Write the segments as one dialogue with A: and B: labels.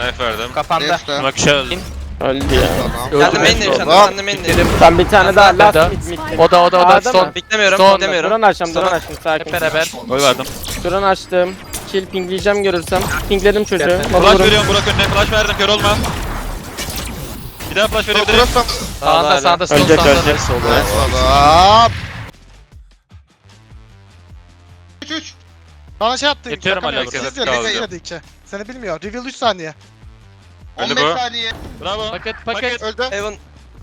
A: Knife verdim.
B: Kapandı.
C: Neyse.
A: Bak şey öldü.
D: Öldü ya.
C: Tamam.
B: Kendi main'deyim sen de,
C: Tamam.
B: kendi main'deyim.
D: Tam bir tane daha
E: Nerede?
D: last mid.
E: O da
D: A'da mı?
E: son.
B: Beklemiyorum,
E: Son.
B: beklemiyorum.
D: Drone açtım, drone
B: Sonra-
D: açtım. Sakin.
E: Hep beraber.
A: Oy verdim.
D: Drone açtım. Kill pingleyeceğim görürsem. Pingledim çocuğu.
A: Flash
D: Vururum.
A: veriyorum Burak önüne. Flash verdim kör olma. Bir daha flash verebilirim.
C: Burası.
E: Sağında sağında sol
D: Ölecek,
E: sağında.
D: ölecek.
C: Adam.
F: 3. Bana şey attı.
A: Geçiyorum hala
F: Siz
A: burada.
F: diyor,
A: Kaldı.
F: bekledi 2. Seni bilmiyor. Reveal 3 saniye.
A: Öldü
C: 15
A: bu.
C: saniye.
A: Bravo.
E: Paket.
C: Öldü.
B: Heaven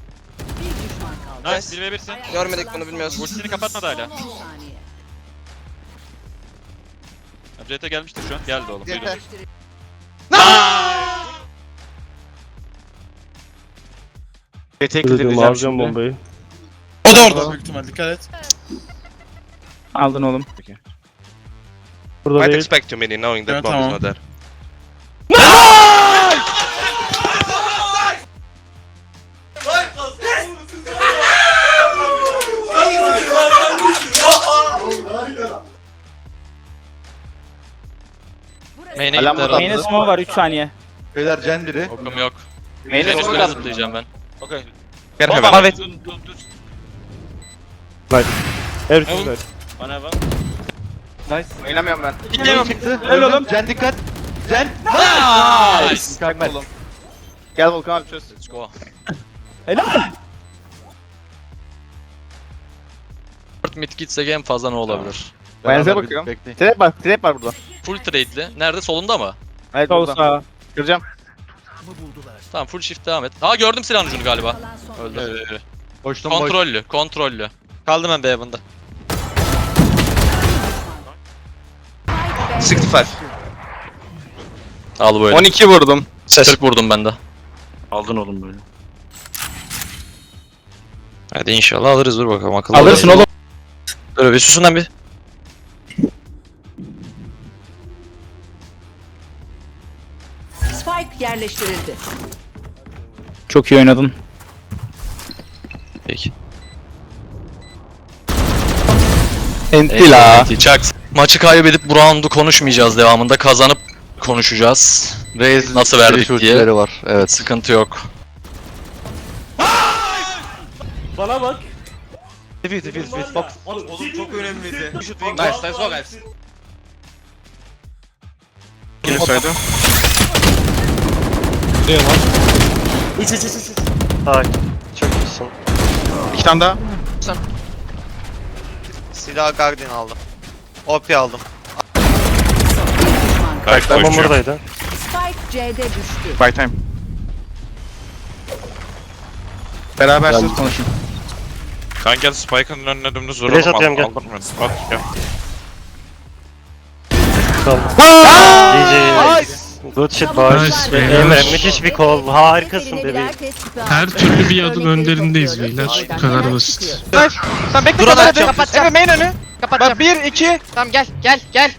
A: Nice 1v1'sin.
B: görmedik bunu bilmiyoruz.
A: Ultisini kapatmadı hala. CT gelmiştir şu an. Geldi oğlum.
C: Yeter.
D: Dedim alacağım bombayı.
F: O da orada büyük ihtimal. Dikkat et.
D: Aldın oğlum. Burada
G: Might
D: değil.
G: expect too many knowing that
F: Yeah,
G: bomb is
F: tamam.
G: not there.
E: Main'e
D: Alarm
E: gitti
D: burada.
E: herhalde.
D: Main'e smoke var 3 saniye.
C: Beyler Cen biri.
A: Okum yok.
D: Main'e
A: Senin
D: smoke
A: üstüne
D: at.
A: zıplayacağım ben. Okey.
G: Get
A: Bomba
G: heaven.
A: var.
D: Evet.
A: Bana heaven.
D: Oynamıyorum ben.
C: Çıktı. Öl oğlum. Cen dikkat. Cen.
D: Mükemmel. Gel Volkan abi çöz.
A: Let's go.
E: 4 mid gitse en fazla ne olabilir?
D: Benze bakıyorum. Trap var burada.
E: Full trade'li. Nerede? Solunda mı?
D: Evet sol sağ. Kıracağım.
E: Tamam full shift devam et. Ha gördüm silahın ucunu galiba. Öldü.
C: Boştum boş.
E: Kontrollü.
A: Kaldım ben B-Heaven'da.
G: 65.
E: Al böyle.
D: 12 vurdum.
E: 40 vurdum ben de.
A: Aldın oğlum böyle.
E: Hadi inşallah alırız dur bakalım akıllı.
D: Alırsın oğlum.
E: Dur bir susun lan bir.
H: Spike yerleştirildi.
D: Çok iyi oynadın.
E: Peki.
D: Enti la.
E: Çak. Maçı kaybedip bu roundu konuşmayacağız devamında. Kazanıp konuşacağız.
G: Raze
E: Nasıl verdik diye.
G: ultileri var. Evet.
E: Sıkıntı yok.
D: Bana bak.
A: Defeat box. Oğlum çok önemliydi.
G: Nice, let's go guys.
A: Kilisaydı.
G: Çok iyisin.
D: İki tane daha.
G: Silah Guardian aldım. OP aldım.
A: Tamam buradaydı.
H: Spike C'de düştü.
D: By time. Beraber siz konuşun.
A: Kan gel Spike'ın önüne dümdüz vuralım. Flash atıyorum gel. At gel.
H: Good shit boys.
I: Emre,
H: müthiş bir kol. Harikasın bebeğim.
I: Her türlü bir adım önderindeyiz beyler. Bu kadar basit.
B: Tamam bekle kapat. Evet main önü. Kapatacağım. 1 2. Tamam gel.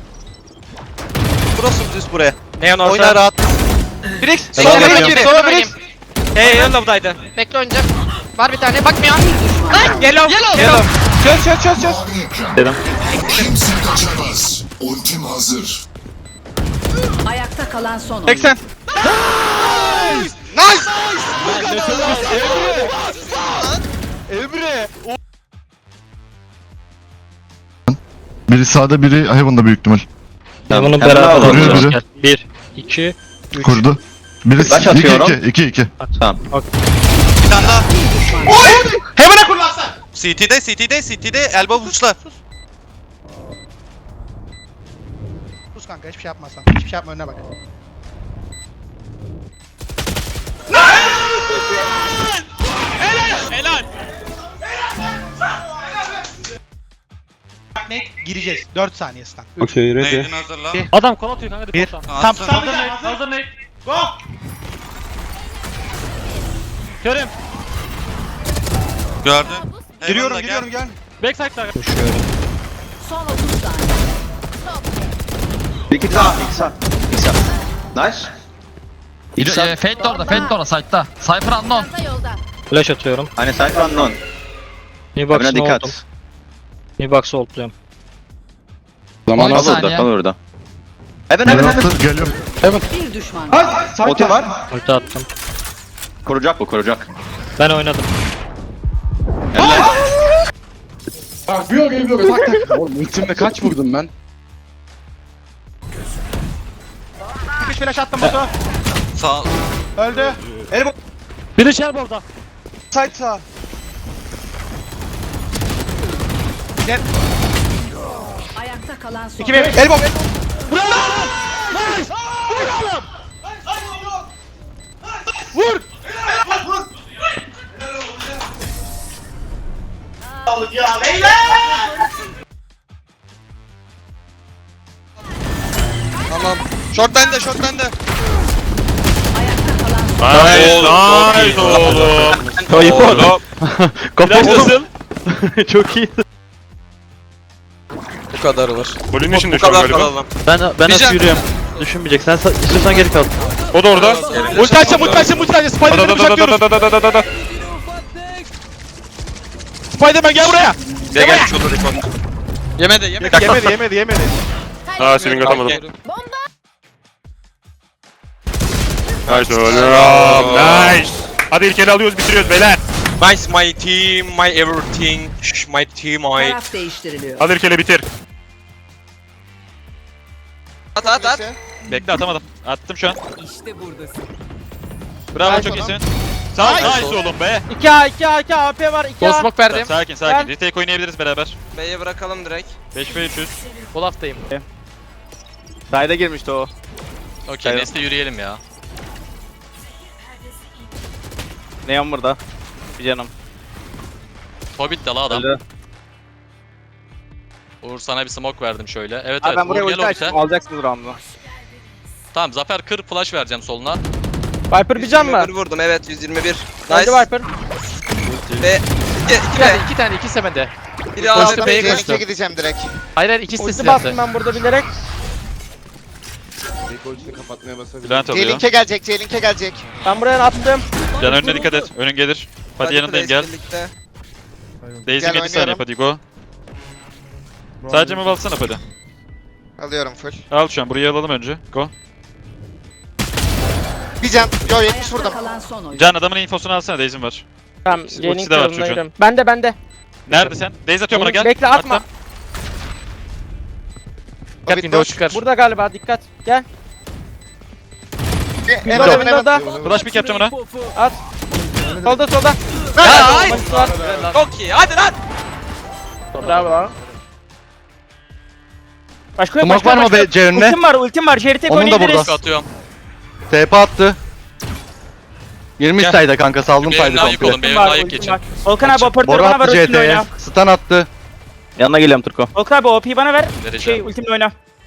G: Burası düz buraya.
A: Neon
G: Oyna rahat.
B: Brix.
G: Sola bırakıyorum.
B: Sola Brix.
A: Hey Yellow'daydı.
B: Bekle oynayacak. Var bir tane bakmıyor.
A: Yellow.
B: Çöz.
J: Kimse kaçamaz. Ultim hazır.
H: Ayakta kalan son oyun.
B: 80.
C: Emre.
J: Biri sağda biri Heaven'da büyük ihtimal.
E: Bunu beraber
J: Kuruyor
E: alacağız.
J: biri.
E: 1, 2,
J: Kurdu. Biri
D: Kaç atıyorum?
J: 2.
G: Bir tane daha.
B: Heaven'a kur lan sen.
G: CT'de elbow uçla.
F: Sus kanka hiçbir şey yapmazsan. Hiçbir şey yapma önüne bak.
A: Helal.
F: Ne? Gireceğiz. 4 saniye stun.
C: Okey ready.
A: Neydin hazırla.
E: Adam kon atıyor kanka.
G: Bir.
F: Tam
A: Hazır ne?
E: Körüm.
A: Gördüm.
C: Giriyorum
A: Heaven'da
C: gel.
E: Backside'da.
H: Son 30 saniye.
D: 2 sağ. Nice.
E: Fate de orada side'da. Cypher unknown.
H: Yolda.
E: Flash atıyorum.
D: Hani sayfa unknown.
E: New box'ına oldum.
D: dikkat.
E: New box'ı ultluyorum.
D: Zaman
E: 12
D: al orada,
E: saniye.
D: kal orada.
J: Heaven geliyorum.
H: Bir düşman.
C: Otu var.
D: Ulti attım.
C: Koruyacak bu koruyacak.
D: Ben oynadım.
J: Ultimle kaç vurdum ben?
F: Çıkış flash attım Batu.
G: Sağ.
F: Öldü.
D: Biri Shelboard'da.
F: Side sağ.
H: Ayakta kalan son.
F: 2 1 elbow.
G: Tamam. Short bende, short bende.
H: Ayakta kalan son.
A: Nice oğlum.
E: Kayıp
A: Oğlum.
E: Kapatın. Çok iyi.
G: Bu kadar var.
A: Volüm içinde
G: Bu
A: şu an
G: kadar
A: galiba.
G: kalalım.
E: Ben
G: Diyeceğim.
E: nasıl yürüyorum? Düşünmeyecek. Sen istiyorsan geri kal.
A: O da orada.
B: Ulti açacağım, ulti açacağım, ulti açacağım. Spiderman'i bıçaklıyoruz. Spiderman gel buraya.
G: Gel şurada rekord. Yemedi.
B: Yemedi.
A: Ha swing atamadım.
G: Gel.
A: Nice oğlum. Nice. Hadi ilk ele alıyoruz bitiriyoruz beyler.
G: Nice my team, my everything, my team, my...
H: Taraf değiştiriliyor.
A: Hadi ilk ele bitir.
G: At.
A: Bekle atamadım. Attım şu an.
H: İşte buradasın.
A: Bravo çok iyisin. Nice oğlum be.
D: 2 AP var 2
B: Smoke verdim.
A: Sakin. Retake oynayabiliriz beraber.
G: B'ye bırakalım direkt.
A: 5v300.
B: Olaf'tayım.
D: Side'a girmişti o.
E: Okey Nesli yürüyelim ya.
D: Neon burada. Bir canım.
E: Hobbit de la adam.
D: Öldü.
E: Uğur sana bir smoke verdim şöyle. Evet
D: Abi
E: evet
D: ben buraya
E: Uğur gel
D: ulti
E: Hobbit'e.
D: açtım. Alacaksınız round'u.
E: Tamam Zafer kır flash vereceğim soluna.
D: Viper bir can mı?
G: Vurdum evet 121.
D: Hadi
G: Nice.
D: Viper.
G: Ve...
B: İki tane, ikisi bende.
G: Biri aldı.
B: B'ye koştu.
C: gideceğim direkt.
B: Hayır ikisi de
D: Ulti
B: silahlı.
D: bastım ben burada bilerek.
A: Bülent alıyor.
C: Link'e gelecek.
D: Ben buraya attım.
A: Can önüne dikkat et. Önün gelir. Hadi yanındayım gel. Daisy 7 saniye hadi go. Sadece mi alsana hadi.
C: Alıyorum full.
A: Al şu an burayı alalım önce. Go.
C: Bir can. Yo
H: Ayakta kalan son oyun.
A: Can adamın infosunu alsana Daisy'm var.
D: Tamam.
A: Ultisi
D: Jailing
A: de var
D: tarafına
A: çocuğun.
D: giriyorum. Bende.
A: Nerede sen? Daisy atıyor bana gel.
D: Bekle atma.
A: Attım.
B: Dikkat window çıkar.
D: Burada galiba dikkat. Gel.
C: Heaven.
D: Da.
A: Flash pick yapacağım ona.
D: Solda.
G: Ya hayır.
D: Ultisi var.
G: Çok iyi hadi lan.
D: Bravo. Başka yok.
E: Smoke var mı be C önüne?
D: Ultim var. Jerry tek
E: Onun da
D: oynayabiliriz.
E: burada. Atıyorum. TP attı. 20 sayda kanka saldım saydı komple.
D: Ultim var. Volkan abi operatörü
E: Boru
D: bana ver
E: attı
D: ultimle
E: CT'ye.
D: oyna.
E: Stun attı. Yanına geliyorum Turko.
D: Volkan abi OP'yi bana ver.
E: Vereceğim.
D: Ultimle oyna.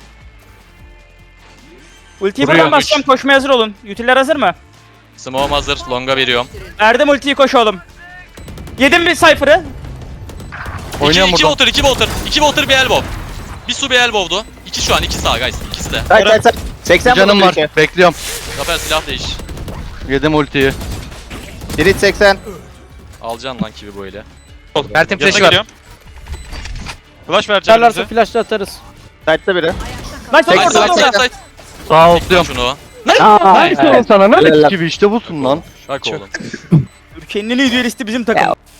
D: Ultiyi
E: Vuruyor.
D: buradan basacağım. Koşmaya hazır olun. Utiller hazır mı?
E: Smoke'um hazır. Long'a veriyorum.
D: Verdim ultiyi koş oğlum. Yedim bir Cypher'ı.
E: Oynuyorum buradan.
G: 2 Walter bir elbow. Bir su bir elbow'du. 2 şu an 2 sağ guys. İkisi de.
D: 80
E: Canım var. Bekliyorum.
G: Zafer silah değiş.
E: Yedim ultiyi.
C: Biri 80.
E: Alacaksın lan kivi böyle.
B: Mert'in
A: Yanına
B: flash'ı var.
A: geliyorum. Flash vereceğim
D: Çalarsa
A: bize.
D: flash'la atarız. Side'da biri. Nice
G: Nice
D: orada.
G: nice.
E: Sağ oltluyorum.
G: Şunu.
E: Nice oğlum sana ne kivi işte busun lan. Bak oğlum.
D: Kendini idealisti bizim takım.